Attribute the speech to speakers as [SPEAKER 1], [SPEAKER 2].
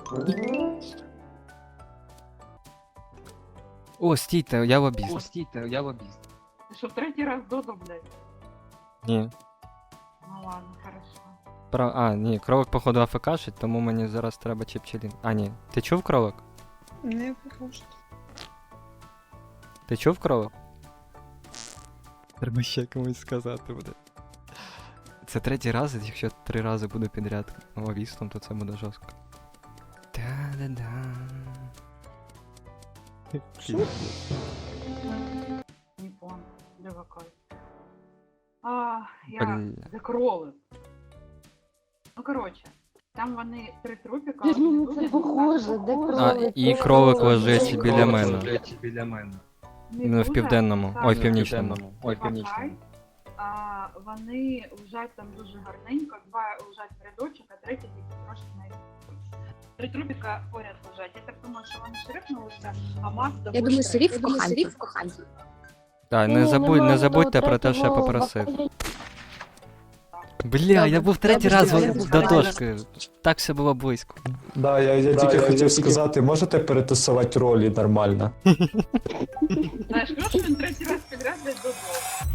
[SPEAKER 1] О, стійте, я лобіст.
[SPEAKER 2] Ти що, третій раз Додо, блядь?
[SPEAKER 1] Ні.
[SPEAKER 2] Ну ладно, хорошо.
[SPEAKER 1] А, ні, кролик, походу, АФКшить, тому мені зараз треба чіпчелін. А, ні. Ти чув кролик?
[SPEAKER 3] Не покажу.
[SPEAKER 1] Ти чув кролик? Треба ще комусь сказати буде. Це третій раз, і якщо 3 рази буду підряд лобістом, то це буде жорстко. Та-да-да.
[SPEAKER 2] Не понял. Де какой? Я
[SPEAKER 1] Бля.
[SPEAKER 2] де кролик. Ну, коротше, там вони 3 трупіка.
[SPEAKER 4] Ти ж мені це похоже, де
[SPEAKER 1] А,
[SPEAKER 4] кролик?
[SPEAKER 1] і кролик лежить біля мене. Ну, в південному. Ой, в північному.
[SPEAKER 2] Вони лежать там дуже гарненько, 2 лежать в рядочок, а третій тільки трошки на 3 трупіка поряд лежать. Я так думаю, що вони шрифнулися, а мас
[SPEAKER 4] Я думаю, Сирів в коханці.
[SPEAKER 1] Так, не забудьте про те, що я попросив. Бля, я був третій раз до дошки. Так все було близько.
[SPEAKER 5] Да, я тільки хотів сказати, можете перетасувати ролі нормально?
[SPEAKER 2] Знаєш, кажу, що він третій раз підряд десь додому.